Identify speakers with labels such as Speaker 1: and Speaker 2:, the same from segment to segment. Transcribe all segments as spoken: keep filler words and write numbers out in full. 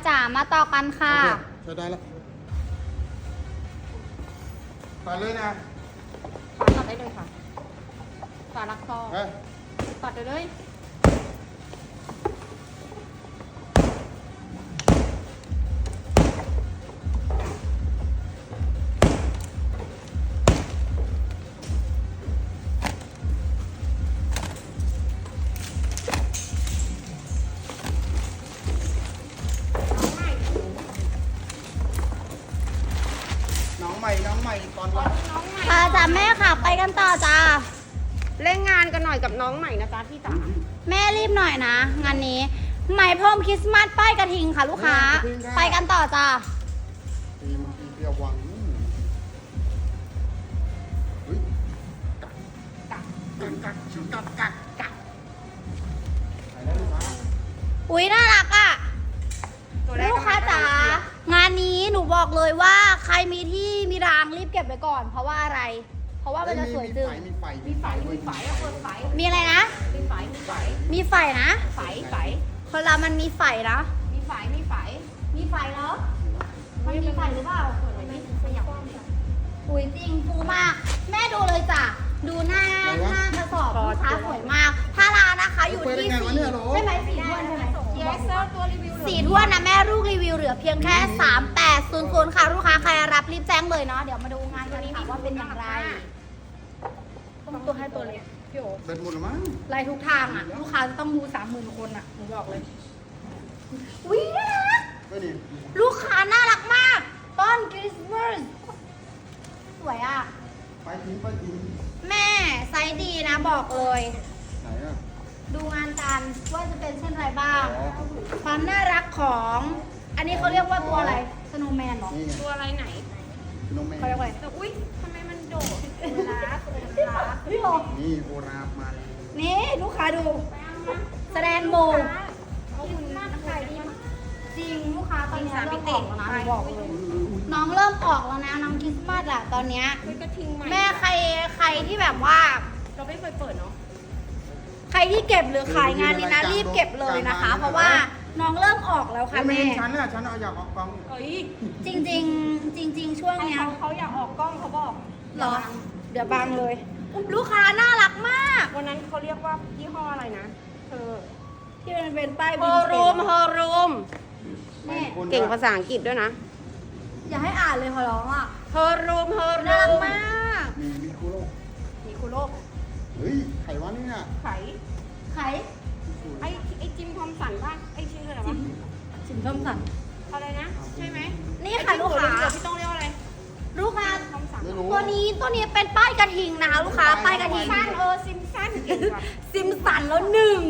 Speaker 1: จ๋ามาต่อกันค่ะ
Speaker 2: โอเคใช้ได้แล้วตัดเลยนะ
Speaker 1: ฝาตัดได้เลยค่ะฝาลักซอ
Speaker 2: เฮ้ย
Speaker 1: ตัดได้เลย
Speaker 2: น้องใหม่น้องใหม่ตอนวัน
Speaker 1: ค่ะจ้าแม่ค่ะไปกันต่อจ้า
Speaker 3: เล่นงานกันหน่อยกับน้องใหม่นะจ๊ะพี่จ๋า
Speaker 1: แม่รีบหน่อยนะ งานนี้ไหมพรมคริสต์มาสป้ายกระทิงค่ะลูกค้า ไปกันต่อจ้า
Speaker 2: ตีมันตีเปรี้ยววังเฮ้ยกักกักกักกักกักกักใส่ได้ลูกค้า
Speaker 1: อุ๊ยน่ารักอ่ะ
Speaker 3: ตัวแรก
Speaker 1: ลูกค้าจ๋างานนี้หนูบอกเลยว่าใครมีที่มีรางรีบเก็บไว้ก่อน เพราะว่าอะไร เพราะว่ามันจะสวยจึง
Speaker 2: มีไฟ
Speaker 3: มีไฝมีไฝอะเปิดไฝ
Speaker 1: มีอะไรนะ
Speaker 3: มีไฝมีไฝ
Speaker 1: มีไฟนะ
Speaker 3: ไฝไฝ
Speaker 1: คนเรามันมีไฟนะ
Speaker 3: มีไฝมีไฝ
Speaker 1: มีไฟเนาะมันมีไฟหรือเปล่า
Speaker 3: เปิดไว้นี่ขยับ
Speaker 1: อุ้ยจริงฟูมาก แม่ดูเลยจ้ะ ดูหน้าหน้ากระสอบลูกค้าสวยมากพารานะคะอยู่ที่สี่ใช่ไหมสี่ถ้วนใช่ไหม
Speaker 3: เยสเซอร์ตัวรีวิว
Speaker 1: สี่ถ้วนนะแม่ลูกรีวิวเหลือเพียงแค่สามแปดศูนย์ศูนย์ค่ะลูกค้าใครรับรีบแจ้งเลยเนาะเดี๋ยวมาดูงานกันค่ะว่าเป็นอย่างไรต้องตัวให้ตัวเล็กพี่โอ
Speaker 2: เดินหมดแล้วมั้ง
Speaker 1: ไล่ทุกทางอ่ะ ลูกค้าจะต้องดูสามหมื่นคนอ่ะหนูบอกเลยอุ้ยน่ารัก
Speaker 2: ก็นี่
Speaker 1: ลูกค้าน่ารักมาก ต้นคริสต์มาสสวยอ่ะ
Speaker 2: ไปทิ้งไปทิ้ง
Speaker 1: แม่ไซส์ดีนะบอกเลย
Speaker 2: ไหนอ่ะ
Speaker 1: ดูงานกันว่าจะเป็นเช่นไรบ้าง
Speaker 2: อ๋อ
Speaker 1: ความน่ารักของ อันนี้เขาเรียกว่าตัวอะไรสโนว์แมนเหรอ
Speaker 2: นี่ไง
Speaker 3: ตัวอะไรไหน
Speaker 2: น้องแม่
Speaker 1: เขาเรียกว่าอะไร
Speaker 3: แต่อุ้ยทำไมมันโดดเวลาเวลา
Speaker 1: พี่โอ
Speaker 2: นี่โบราณมาเลย
Speaker 1: นี่ลูกค้าดู แสดงโบ
Speaker 3: เอาคุณน่าขายดีมาก
Speaker 1: จริงลูกค้าตอนนี้เริ่มออกแล้วนะหนูบอกเลย น้องเริ่มออกแล้วนะน้องคริสต์มาสอะตอนเนี้ย
Speaker 3: เฮ้ยกระทิงใหม่
Speaker 1: แม่ใครใครที่แบบว่า
Speaker 3: เราไม่เคยเปิดเนาะ
Speaker 1: ใครที่เก็บหรือขายงานนี้นะรีบเก็บเลยนะคะ เพราะว่าน้องเริ่มออกแล้วค่ะ
Speaker 2: ไม่
Speaker 1: แม่
Speaker 2: เห็นฉันอ่ะฉันเอาอยากออกกล้อง
Speaker 3: เอ้ย
Speaker 1: จริง ๆ จริง ๆ ช่วง
Speaker 3: ให้
Speaker 1: เนี้ย
Speaker 3: เขาเขาอยากออกกล้องเขาบอก
Speaker 1: เหรอ เดี๋ยวบังเลย ลูกค้าน่ารักมาก
Speaker 3: วันนั้นเขาเรียกว่ายี่ห้ออะไรนะเธอ
Speaker 1: ที่มันเป็นป้าย
Speaker 3: โฮ
Speaker 1: วินเท
Speaker 3: รูม
Speaker 1: จ
Speaker 3: โฮรูม
Speaker 1: แม่
Speaker 3: เก่งภาษาอังกฤษด้วยนะ
Speaker 1: อย่าให้อ่านเลยขอร้องอ่ะ
Speaker 3: โฮรูมโฮ
Speaker 1: น่า
Speaker 3: รู
Speaker 1: รัก
Speaker 3: ม
Speaker 1: มาก
Speaker 2: มีมีคุโร่
Speaker 3: มีคุโรก
Speaker 2: เฮ้ยไขวะเนี่ย
Speaker 3: ไข่
Speaker 1: ไข่
Speaker 3: ไอ้ไอ้จิมทอมสันป่ะไอ้ชื่ออะไรวะ
Speaker 1: สินส้มสัน
Speaker 3: อะไรนะ ใช่ไหม
Speaker 1: นี่ค่ะลูกค้า
Speaker 3: เดี๋ยวพี่ต้องเรียกว่าอะไร
Speaker 1: ลูกค้า
Speaker 3: ทอมสัน
Speaker 2: ไม่รู้
Speaker 1: ตัวนี้ตัวนี้เป็นป้ายกระทิงนะคะลูกค้าป้ายกระทิง
Speaker 3: สั้นเออซิมสั้นเก่งว่ะ
Speaker 1: ซิมสันแล้วหนึ่ง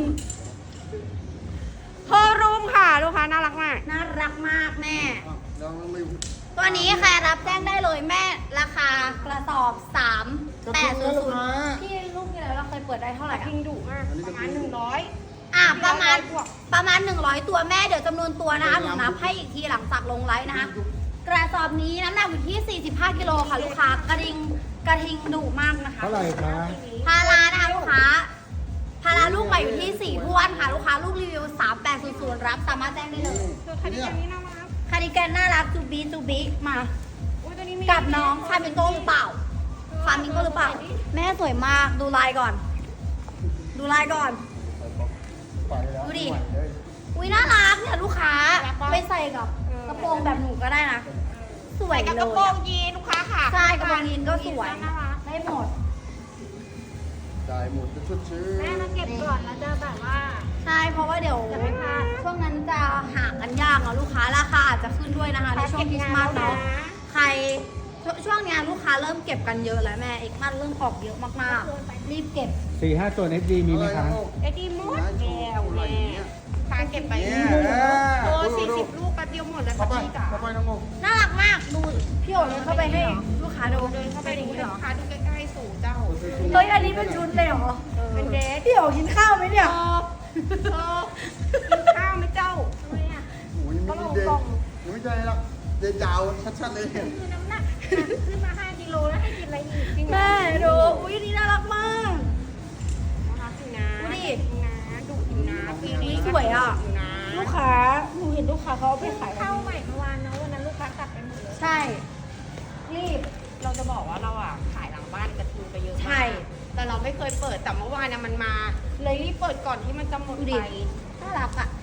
Speaker 3: โฮรูมค่ะลูกค้าน่ารักมาก
Speaker 1: น่ารักมากแม่
Speaker 2: อ่ะเราไม่
Speaker 1: ตัวนี้ใครรับแจ้งได้เลยแม่ราคากระสอบสามแปดศูนย์ศูนย์พี่ลูกที่แล้วเราเคยเปิดได้เท่าไหร่
Speaker 3: พิ
Speaker 1: อะ
Speaker 3: งดุมากประมาณหนึ่งร้อย
Speaker 1: อ่ะประมาณประมาณหนึ่งร้อยตัวแม่เดี๋ยวจำนวนตัวนะคะหนูนับให้อีกทีหลังจากลงไลฟ์นะคะกระสอบนี้น้ำหนักอยู่ที่สี่สิบห้ากิโลค่ะลูกค้ากระทิงกระทิงดุมากนะคะ
Speaker 2: เท่าไหร่คะ
Speaker 1: พารานะคะลูกค้าพาราลูกใหม่อยู่ที่สี่ท้วนค่ะลูกค้าลูกรีวิวสามแปดศูนย์ศูนย์รับสามารถแจ้งได้เลย
Speaker 3: ตัวคันนี้อันนี้น่ารัก
Speaker 1: คาร์ดิแกนน่ารักจูบีจูบีมา
Speaker 3: อุ้ยตัวนี้มี
Speaker 1: กับน้องฟามิงโก้หรือเปล่าฟามิงโก้หรือเปล่า แม่สวยมากดูลายก่อน ดูลายก่อน
Speaker 2: ไปแล้ว
Speaker 1: ดูดิ
Speaker 2: ไหวเลย
Speaker 1: อุ้ยน่ารักเนี่ยลูกค้าไปใส่กับกระโปรงแบบหนูก็ได้นะ สวย
Speaker 3: กับ
Speaker 1: เล
Speaker 3: กระ
Speaker 1: ย
Speaker 3: โปรง
Speaker 1: อะ
Speaker 3: ยีนลูกค้าค่ะ
Speaker 1: ใช่กระโปรงยีนก็สวย
Speaker 3: น่ารัก
Speaker 1: ได้หมด
Speaker 2: จ่ายหมดจะชุดชื่อ
Speaker 3: แม่มาเก็บก่อนแล้วจะแบบว่า
Speaker 1: ใช่เพราะว่าเดี๋ยว
Speaker 3: จะไม่พลาด
Speaker 1: ช่วงนั้นจะหากันยากเนาะลูกค้าราคาอาจจะขึ้นด้วยนะคะในช่วงคริสต์มาสเนาะใครช่วช่วงเนี้ยลูกค้าเริ่มเก็บกันเยอะแล้วแม่เอกมันเริ่มออกเยอะมากๆ รีบเก็บ
Speaker 4: สี่ห้าตัวเอสดีมีไหมคะ
Speaker 3: ไอ้ดีมดแก้วแม่พาเก็บไป
Speaker 2: เนี่ย
Speaker 3: โลสี่สิบลูกแป๊บเดียวหมดแล้ว
Speaker 2: เข้า
Speaker 3: ค่ะ
Speaker 2: ไป
Speaker 3: พี่จ๋า
Speaker 2: เข้าไปน้องโม
Speaker 1: น่ารักมากดูพี่โอ๋เลยเข้าไปให้ลูกค้าดู
Speaker 3: เดินเข้าไปดูให้ลูกค้าดูใกล้ๆสู่เจ้า
Speaker 1: เฮ้ยอันนี้เป็นชุดเลยเหรอ
Speaker 3: เป็นเดท
Speaker 1: พี่โอ๋กินข้าวไหมเนี่ย
Speaker 3: เออเออกินข้าวไหมเจ้าทำไมอ่ะ
Speaker 2: โอ้ยไม่ได้เด็กยังไม่ใจหรอกเด็กยาวชัดๆเลย
Speaker 3: คือน้ำหนักขึ้นมาห้ากิโลแล้วให้กินอะไรอีกจริงเหรอ
Speaker 1: แม่ดูอุ้ยอันนี้น่ารักมาก
Speaker 3: น่ารักอยู่นะ
Speaker 1: ดูดิ
Speaker 3: นะดุอยู่นะปีนี้
Speaker 1: สวยอะ
Speaker 3: ดุอยู่นะ
Speaker 1: นลูกค้าหนูเห็นลูกค้าเขาเอาไปขาย
Speaker 3: เข้าใหม่เมื่อวานเนาะวันนั้นลูกค้ากลับไปหมดเลย
Speaker 1: ใช่ รีบ
Speaker 2: เราจะบอกว่าเราอ่ะขายหลังบ้านกระทิงไปเยอะมาก
Speaker 1: ใช่
Speaker 2: แต่เราไม่เคยเปิดแต่เมื่อวานน่ะมันมา เลยรีบเปิดก่อนที่มันจะหมด
Speaker 1: ดูดิ
Speaker 2: ไป
Speaker 1: น่ารักอ่ะ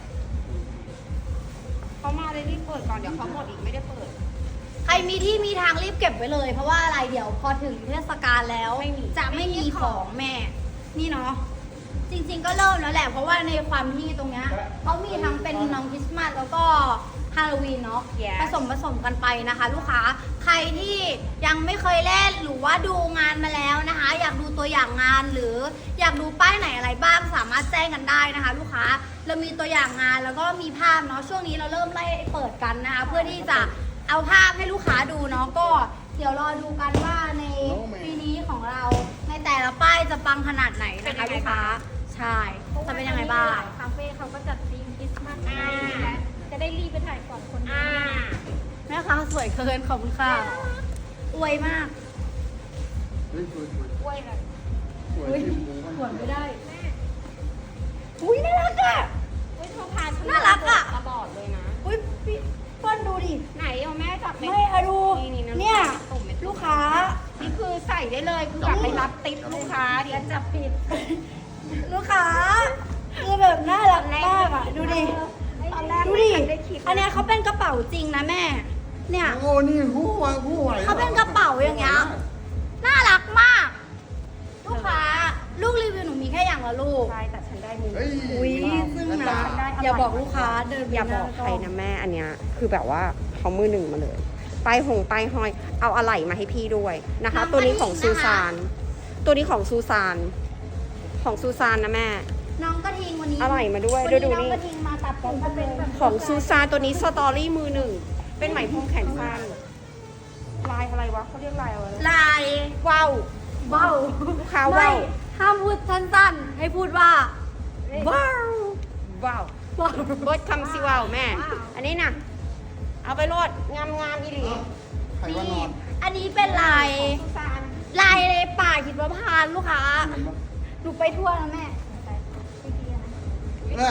Speaker 2: เขามาเลยรีบเปิดก่อนเดี๋ยวเขาหมดอีกไม่ได้เปิด
Speaker 1: ใครมีที่มีทางรีบเก็บไว้เลย เพราะว่าอะไรเดี๋ยวพอถึงเทศกาลแล้ว
Speaker 2: ไม่มี
Speaker 1: จะไม่มีของแม่ นี่เนาะจริงๆก็เริ่มแล้วแหละ เพราะว่าในความที่ตรงเนี้ยเขามีทั้งเป็นน้องคริสต์มาสแล้วก็ฮาโลวีนเนาะ
Speaker 2: Yes
Speaker 1: ผสมผสมกันไปนะคะ ลูกค้าใครที่ยังไม่เคยเล่นหรือว่าดูงานมาแล้วนะคะ อยากดูตัวอย่างงานหรืออยากดูป้ายไหนอะไรบ้างสามารถแจ้งกันได้นะคะ ลูกค้าเรามีตัวอย่างงานแล้วก็มีภาพเนาะช่วงนี้เราเริ่มไล่เปิดกันนะคะ เพื่อที่จะเอาภาพให้ลูกค้าดูเนาะก็เดี๋ยวรอดูกันว่าในปีนี้ของเราในแต่ละป้ายจะปังขนาดไหนนะคะลูกค้าใช่จะเป็นยังไงบ้าง
Speaker 3: คาเฟ่เขาก็จัดธีมคริสต์มาสให้และจะได้รีบไปถ่ายก่อนคน
Speaker 2: อ่า
Speaker 3: นี้
Speaker 1: แม่ค้าสวยเกินขอบคุณค่ะอวยมาก
Speaker 4: เฮ้ยสวยสวย
Speaker 3: กล้วยแบบ
Speaker 4: สวยที่หมู
Speaker 1: สวยไม่ได้
Speaker 3: แม่
Speaker 1: อุ้ยน่ารักอ่ะ
Speaker 3: เฮ้ยเธอพาฉั
Speaker 1: น่ารักอะ
Speaker 2: ตลอดเลยนะ
Speaker 1: อุ้ยพี่เปิ้ลดูดิ
Speaker 2: ไหนเอาแม่จับ
Speaker 1: ไม่อะดู
Speaker 2: นี่ๆะ
Speaker 1: เนี่ย
Speaker 2: ตุ่มเม็ด
Speaker 1: ลูกค้า
Speaker 2: นี่คือใส่ได้เลยคือแบบไปรับติ๊บลูกค้าเดี๋ยวจับผิด
Speaker 1: ลูกค้าคือแบบน่ารักมากอ่ะดูดิ
Speaker 3: ตอนแรก
Speaker 1: ดู
Speaker 3: ไม่
Speaker 1: ดิ
Speaker 3: ทันได้คิด
Speaker 1: อันเนี้ยเขาเป็นกระเป๋าจริงนะแม่ เนี่ย
Speaker 4: โอ้นี่หู้ไหวหู้ไหว
Speaker 1: เขาเป็นกระเป๋าอย่างเงี้ย น่ารักมาก ลูกค้า ลูกรีวิวหนูมีแค่อย่างละลูก
Speaker 2: ใช่แต่ฉันได้มือ
Speaker 4: เฮ้ย
Speaker 1: อุ้ยซึ่งนะอย่าบอกลูกค้าเดินไป
Speaker 2: อย่าบอกใครนะแม่อันเนี้ยคือแบบว่าเขามือหนึ่งมาเลยป้ายหงป้ายห้อยเอาอะไหล่มาให้พี่ด้วยนะคะ ตัวนี้ของซูซาน ตัวนี้ของซูซานของซูซานนะแม่
Speaker 1: น้องกระทิงวันนี้
Speaker 2: อะไหล่มาด้วย
Speaker 1: วัน
Speaker 2: ดู
Speaker 1: นี้
Speaker 2: ดู
Speaker 1: น้อง
Speaker 2: นี่
Speaker 1: กระทิงมาตัดผมเป็นแบบ
Speaker 2: ของซูซานตัวนี้สตอรี่มือหนึ่งเป็นไหมพรมแขนสั้นลายอะไรวะเขาเรียกลายอะไรวะ
Speaker 1: ลาย
Speaker 2: ว้าว
Speaker 1: ว้าว
Speaker 2: ลูกค้า
Speaker 1: ไม่
Speaker 2: ว้าว
Speaker 1: ห้ามพูดสั้นๆ ให้พูดว่า ว้าว
Speaker 2: ว้าว
Speaker 1: ว้าว
Speaker 2: เบิร์ดคำซิว้าวแม่ อันนี้นะเอาไปโลดงามงามๆอีหลี
Speaker 4: ใครว่านอน
Speaker 1: อันนี้เป็นลาย
Speaker 2: ซูซาน
Speaker 1: ลายในป่าหิมพานต์ลูกค้าหนูไปทั่วนะแม่
Speaker 4: เนี่ย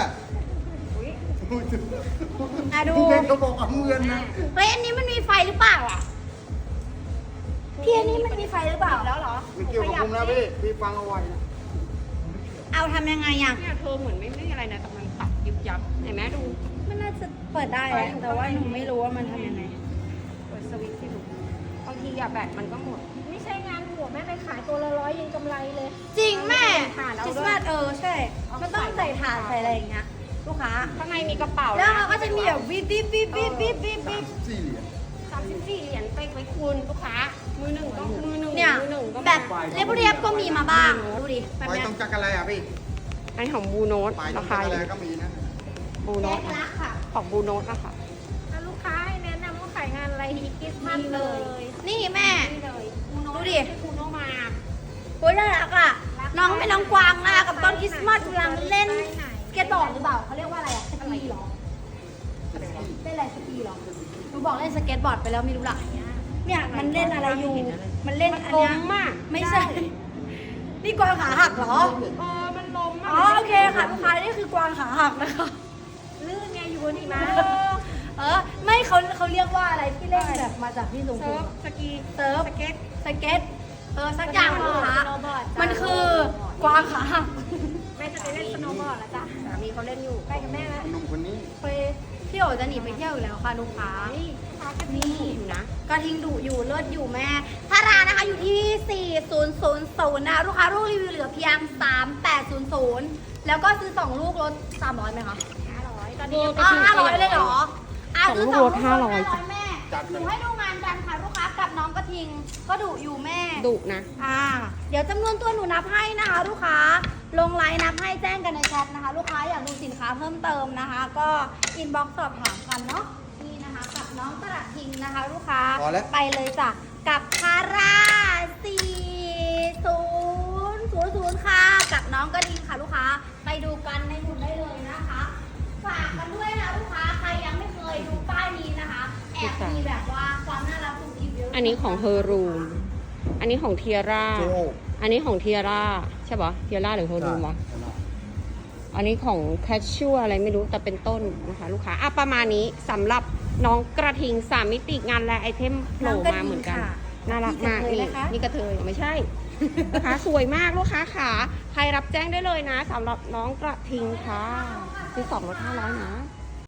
Speaker 1: อ่ะดู
Speaker 4: พี่เพชรเขาบอกเอาเงินนะ
Speaker 1: เฮ้ยอันนี้มันมีไฟหรือเปล่าอ่ะพี่อันนี้มันมีไฟหรือเปล่า
Speaker 2: แล้วเหรอ
Speaker 4: ไม่เกี่ยวกับผมนะพี่พี่ฟังเอาไว้นะ
Speaker 1: เอาทำยังไงอ่ะ
Speaker 2: เนี่ยเธอเหมือนไม่ไม่อะไรนะแต่มันตัดยุบยับเห็นไหมดู
Speaker 1: มันน่าจะเปิดได้แหละแต่ว่าหนูไม่รู้ว่ามันทำยังไง
Speaker 2: เปิดสวิตช์สิลูกบางทีอะแบตมันก็หมด
Speaker 3: ไม่ใช่งานหัวแม่ไปขายตัวละร้อยยังกำไรเลย
Speaker 1: จริงแม่
Speaker 2: ถ่านเอา
Speaker 1: คริส
Speaker 2: ด้วย
Speaker 1: ต์มาสเออใช่ มันต้องใส่ถ่านใส่อะไรอย่างเงี้ยลูกค้า
Speaker 2: ข้างในมีกระเป๋า
Speaker 1: แล้วเขาก็จะมีแบบวิบวิบวิบวิบวิบวิบวิบ
Speaker 4: สี่เหรียญ
Speaker 2: สามสิบสี่เหรียญไปไว้คูณลูกค้า มือหนึ่งก็มือหนึ่ง
Speaker 1: เนี่ย
Speaker 2: มือหนึ่งก็
Speaker 1: แบบเรียบเรียบๆก็มีมาบ้างดูดิแบบ
Speaker 4: ไป
Speaker 1: เนี้ย
Speaker 4: ตรงจักรอะไรอ่ะพี่
Speaker 2: อันนี้ของบูโนต
Speaker 4: ไปตร
Speaker 2: ราง
Speaker 4: จั
Speaker 2: คาก
Speaker 4: ร
Speaker 2: อ
Speaker 4: อะไร
Speaker 2: ยู่
Speaker 4: ก็มีนะ
Speaker 2: บูโน
Speaker 1: แย
Speaker 2: ต
Speaker 1: กลักค่ะ
Speaker 2: ของบูโนตนะคะ
Speaker 3: ถ้าลูกค้าให้แนะนำว่าขายงานอะไรดีคริสต์มาสเลย
Speaker 1: นี่แม่
Speaker 2: นี่เลยบูโนต
Speaker 1: ดูดิ
Speaker 2: ให้คูโนมา
Speaker 1: โอ้ยน่ารักอ่ะ น้องเป็นน้องกวางนะคะกับต้นคริสต์มาสกำลังเล่นสเก็ตบอร์ดหรือเปล่าเขาเรียกว่าอะไรอ่ะสกีเหรอเล่นอะไรสกีเหรอหนูบอกเล่นสเก็ตบอร์ดไปแล้วไม่รู้ละเนี่ยมันเล่นอะไรอยู่ มันเล่น
Speaker 2: มัน
Speaker 1: อัน
Speaker 2: ล้
Speaker 1: เนี้ย
Speaker 2: มอ่ะ
Speaker 1: ไม่ใช่ นี่กวางขาหักเหรอ
Speaker 2: เออมันล้มอ่ะ
Speaker 1: อ๋อโอเคค่ะลูกค้านี่คือกวางขาหักนะคะ
Speaker 3: ลื่นไงอยู่บนหิมะ
Speaker 1: เออไม่เขาเขาเรียกว่าอะไรที่เล่นแบบมาจากที่สูง
Speaker 2: เซิร์ฟสกี
Speaker 1: เซิร์ฟ
Speaker 2: สเก็ต
Speaker 1: สเก็ตเออสักอย่างลูกค้า
Speaker 3: สโนว์บอร์ดจ้ะ
Speaker 1: มันคือกวางขาหัก
Speaker 3: แม่จะไปเล่นสโนว์บอร์ดแล้วจ้ะ
Speaker 2: สามีเขาเล่นอยู่
Speaker 3: ไปกับแม่นะ
Speaker 4: หนุ่มคนนี้
Speaker 1: ไปพี่โอจะหนีไปเที่ยวอยู่แล้วค่ะลูกค้า
Speaker 3: นี่ลูกค้ากัน
Speaker 1: นี่
Speaker 2: อยู่นะ
Speaker 1: กระทิงดุอยู่เลิศอยู่แม่พารานะคะอยู่ที่ สี่ศูนย์ศูนย์ศูนย์นะลูกค้าลูกรีวิวเหลือเพียง สามแปดศูนย์ศูนย์แล้วก็ซื้อสองลูกลดสามร้อยไหมคะ
Speaker 3: ห้าร้อยตอนนี้ยัง
Speaker 1: อ๋อห้าร้อยเลยเหรออ่ะ
Speaker 2: สอง
Speaker 1: ซื้อ
Speaker 2: ลูก
Speaker 1: สอง
Speaker 2: ลดห้าร้อย
Speaker 1: ห้าร้อยแม่หนูให้ดูงานกันค่ะลูกค้ากับน้องกระทิงก็ดุอยู่แม่
Speaker 2: ดุนะ
Speaker 1: อ่าเดี๋ยวจำนวนตัวหนูนับให้นะคะลูกค้าลงไลน์นับให้แจ้งกันในแชทนะคะ ลูกค้าอยากดูสินค้าเพิ่มเติมนะคะ ก็อินบ็อกซ์สอบถามกันเนาะนี่นะคะกับน้องกระทิงนะคะ ลูกค้า
Speaker 4: พอแล้ว
Speaker 1: ไปเลยจ้ะกับคาร่าสี่ศูนย์ศูนย์ศูนย์ค่ะกับน้องกระทิงค่ะลูกค้าไปดูกันในหุ่นได้เลยนะคะฝากกันด้วยนะลูกค้าใครยังไม่เคยดูป้ายนี้นะคะแอบมีแบบว่าความน่ารักสุดทิพย์เยอะ
Speaker 2: อันนี้ของเฮอร์รูม อันนี้ของเทียร่า
Speaker 4: โจ
Speaker 2: อันนี้ของเทียร่าใช่ปะเทียร่าหรือเฮอร์รูมวะอันนี้ของแคชชัวอะไรไม่รู้แต่เป็นต้นนะคะ ลูกค้าอ่ะประมาณนี้สำหรับน้องกระทิงสามมิติงานและไอเทมโผล่มาเหมือนกันน่ารักมากนี่นี่กระเทยไม่ใช่ นะคะสวยมากลูกค้าขาใครรับแจ้งได้เลยนะสำหรับน้องกระทิงค่ะซื้อสองลดห้าร้อยนะ